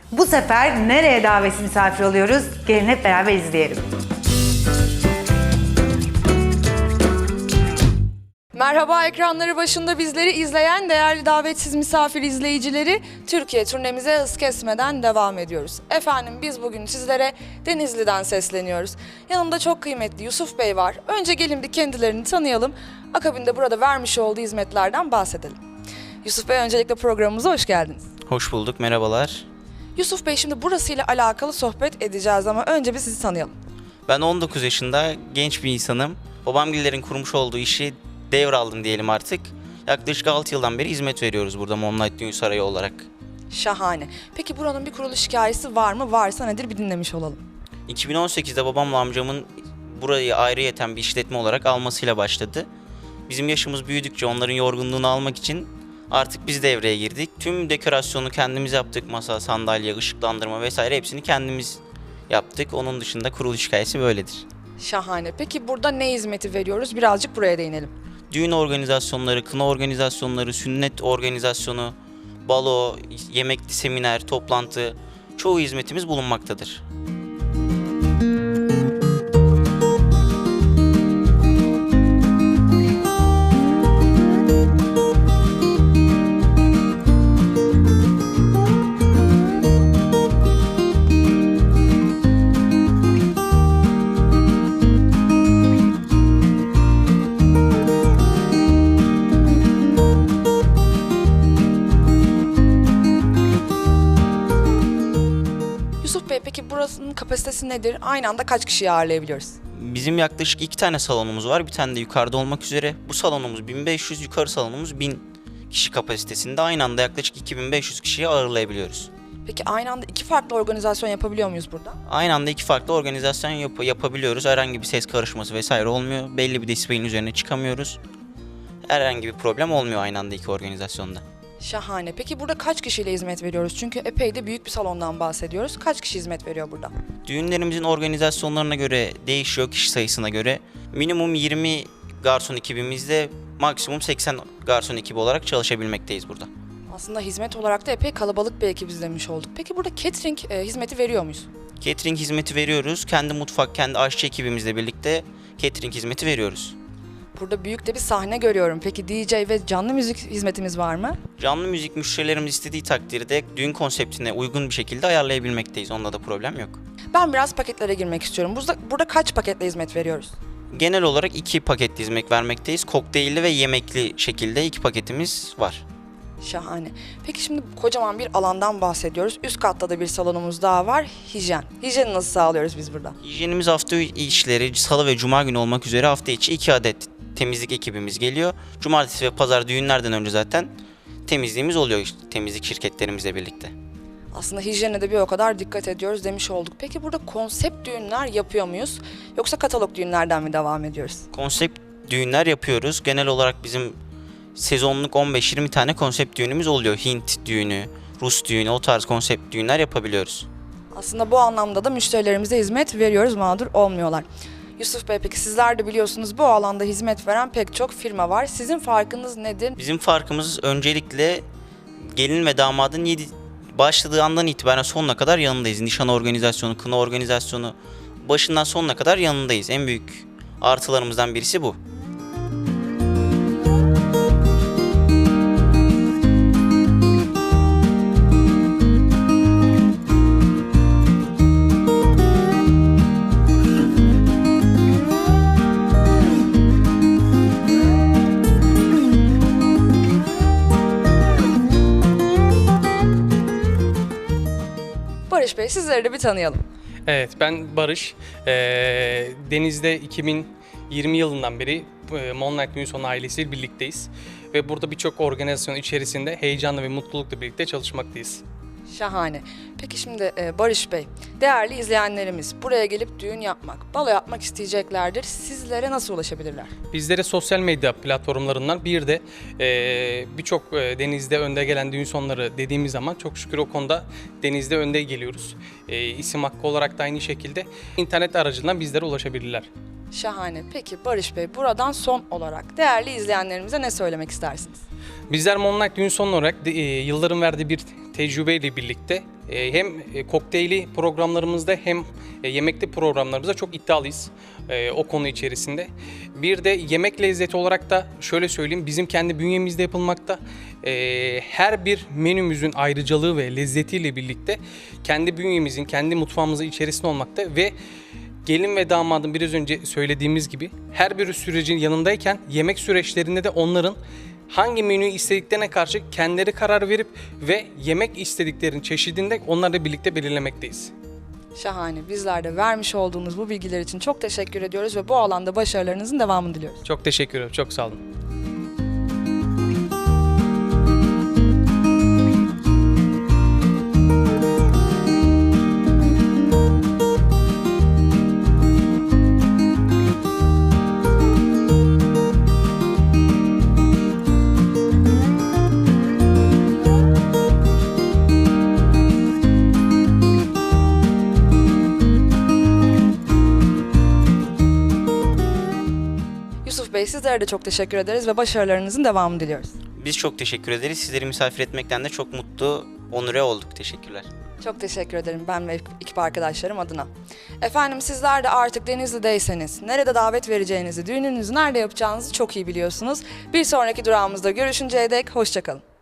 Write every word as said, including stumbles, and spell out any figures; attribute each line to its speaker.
Speaker 1: Bu sefer nereye davetsiz misafir oluyoruz? Gelin hep beraber izleyelim.
Speaker 2: Merhaba, ekranları başında bizleri izleyen değerli davetsiz misafir izleyicileri, Türkiye turnemize hız kesmeden devam ediyoruz. Efendim biz bugün sizlere Denizli'den sesleniyoruz. Yanımda çok kıymetli Yusuf Bey var. Önce gelin bir kendilerini tanıyalım. Akabinde burada vermiş olduğu hizmetlerden bahsedelim. Yusuf Bey, öncelikle programımıza hoş geldiniz.
Speaker 3: Hoş bulduk, merhabalar.
Speaker 2: Yusuf Bey, şimdi burasıyla alakalı sohbet edeceğiz ama önce bir sizi tanıyalım.
Speaker 3: Ben on dokuz yaşında genç bir insanım. Babamgillerin kurmuş olduğu işi devraldım diyelim artık. Yaklaşık altı yıldan beri hizmet veriyoruz burada Moonlight Düğün Sarayı olarak.
Speaker 2: Şahane. Peki buranın bir kuruluş hikayesi var mı? Varsa nedir, bir dinlemiş olalım.
Speaker 3: iki bin on sekizde babamla amcamın burayı ayrıyeten bir işletme olarak almasıyla başladı. Bizim yaşımız büyüdükçe onların yorgunluğunu almak için artık biz devreye girdik. Tüm dekorasyonu kendimiz yaptık. Masa, sandalye, ışıklandırma vesaire hepsini kendimiz yaptık. Onun dışında kuruluş hikayesi böyledir.
Speaker 2: Şahane. Peki burada ne hizmeti veriyoruz? Birazcık buraya değinelim.
Speaker 3: Düğün organizasyonları, kına organizasyonları, sünnet organizasyonu, balo, yemekli seminer, toplantı, çoğu hizmetimiz bulunmaktadır.
Speaker 2: Yusuf Bey, peki burasının kapasitesi nedir? Aynı anda kaç kişiyi ağırlayabiliyoruz?
Speaker 3: Bizim yaklaşık iki tane salonumuz var. Bir tane de yukarıda olmak üzere. Bu salonumuz bin beş yüz, yukarı salonumuz bin kişi kapasitesinde. Aynı anda yaklaşık iki bin beş yüz kişiyi ağırlayabiliyoruz.
Speaker 2: Peki aynı anda iki farklı organizasyon yapabiliyor muyuz burada?
Speaker 3: Aynı anda iki farklı organizasyon yap- yapabiliyoruz. Herhangi bir ses karışması vesaire olmuyor. Belli bir desibelin üzerine çıkamıyoruz. Herhangi bir problem olmuyor aynı anda iki organizasyonda.
Speaker 2: Şahane. Peki burada kaç kişiyle hizmet veriyoruz? Çünkü epey de büyük bir salondan bahsediyoruz. Kaç kişi hizmet veriyor burada?
Speaker 3: Düğünlerimizin organizasyonlarına göre değişiyor, kişi sayısına göre. Minimum yirmi garson ekibimizde maksimum seksen garson ekibi olarak çalışabilmekteyiz burada.
Speaker 2: Aslında hizmet olarak da epey kalabalık bir ekip izlemiş olduk. Peki burada catering e, hizmeti veriyor muyuz?
Speaker 3: Catering hizmeti veriyoruz. Kendi mutfak, kendi aşçı ekibimizle birlikte catering hizmeti veriyoruz.
Speaker 2: Burada büyük de bir sahne görüyorum. Peki D J ve canlı müzik hizmetimiz var mı?
Speaker 3: Canlı müzik müşterilerimiz istediği takdirde düğün konseptine uygun bir şekilde ayarlayabilmekteyiz. Onda da problem yok.
Speaker 2: Ben biraz paketlere girmek istiyorum. Burada, burada kaç paketle hizmet veriyoruz?
Speaker 3: Genel olarak iki paket hizmet vermekteyiz. Kokteylli ve yemekli şekilde iki paketimiz var.
Speaker 2: Şahane. Peki şimdi kocaman bir alandan bahsediyoruz. Üst katta da bir salonumuz daha var. Hijyen. Hijyeni nasıl sağlıyoruz biz burada?
Speaker 3: Hijyenimiz hafta işleri salı ve cuma günü olmak üzere hafta içi iki adet temizlik ekibimiz geliyor. Cumartesi ve pazar düğünlerden önce zaten temizliğimiz oluyor işte, temizlik şirketlerimizle birlikte.
Speaker 2: Aslında hijyene de bir o kadar dikkat ediyoruz demiş olduk. Peki burada konsept düğünler yapıyor muyuz? Yoksa katalog düğünlerden mi devam ediyoruz?
Speaker 3: Konsept düğünler yapıyoruz. Genel olarak bizim sezonluk on beş yirmi tane konsept düğünümüz oluyor. Hint düğünü, Rus düğünü, o tarz konsept düğünler yapabiliyoruz.
Speaker 2: Aslında bu anlamda da müşterilerimize hizmet veriyoruz, mağdur olmuyorlar. Yusuf Bey, peki sizler de biliyorsunuz bu alanda hizmet veren pek çok firma var. Sizin farkınız nedir?
Speaker 3: Bizim farkımız öncelikle gelin ve damadın yedi, başladığı andan itibaren sonuna kadar yanındayız. Nişan organizasyonu, kına organizasyonu başından sonuna kadar yanındayız. En büyük artılarımızdan birisi bu.
Speaker 2: Barış Bey, sizleri de bir tanıyalım.
Speaker 4: Evet, ben Barış. Ee, Deniz'de iki bin yirmi yılından beri e, Moonlight Düğün Sonu ailesiyle birlikteyiz. Ve burada birçok organizasyon içerisinde heyecanla ve mutlulukla birlikte çalışmaktayız.
Speaker 2: Şahane. Peki şimdi e, Barış Bey, değerli izleyenlerimiz buraya gelip düğün yapmak, balo yapmak isteyeceklerdir. Sizlere nasıl ulaşabilirler?
Speaker 4: Bizlere sosyal medya platformlarından bir de e, birçok e, Deniz'de önde gelen düğün sonları dediğimiz zaman çok şükür o konuda Deniz'de önde geliyoruz. E, isim hakkı olarak da aynı şekilde internet aracılığından bizlere ulaşabilirler.
Speaker 2: Şahane. Peki Barış Bey, buradan son olarak değerli izleyenlerimize ne söylemek istersiniz?
Speaker 4: Bizler Moonlight Düğün Sonu olarak de, e, yılların verdiği bir tecrübeyle birlikte e, hem e, kokteyli programlarımızda hem e, yemekli programlarımızda çok iddialıyız e, o konu içerisinde. Bir de yemek lezzeti olarak da şöyle söyleyeyim, bizim kendi bünyemizde yapılmakta. E, her bir menümüzün ayrıcalığı ve lezzetiyle birlikte kendi bünyemizin, kendi mutfağımızın içerisinde olmakta ve gelin ve damadın biraz önce söylediğimiz gibi her bir sürecin yanındayken yemek süreçlerinde de onların hangi menüyü istediklerine karşı kendileri karar verip ve yemek istediklerinin çeşidinde onlarla birlikte belirlemekteyiz.
Speaker 2: Şahane. Bizler de vermiş olduğunuz bu bilgiler için çok teşekkür ediyoruz ve bu alanda başarılarınızın devamını diliyoruz.
Speaker 4: Çok teşekkür ederim. Çok sağ olun.
Speaker 2: Yusuf Bey, sizlere de çok teşekkür ederiz ve başarılarınızın devamını diliyoruz.
Speaker 3: Biz çok teşekkür ederiz. Sizleri misafir etmekten de çok mutlu, onure olduk. Teşekkürler.
Speaker 2: Çok teşekkür ederim ben ve ekip arkadaşlarım adına. Efendim, sizler de artık Denizli'deyseniz nerede davet vereceğinizi, düğününüzü nerede yapacağınızı çok iyi biliyorsunuz. Bir sonraki durağımızda görüşünceye dek hoşça kalın.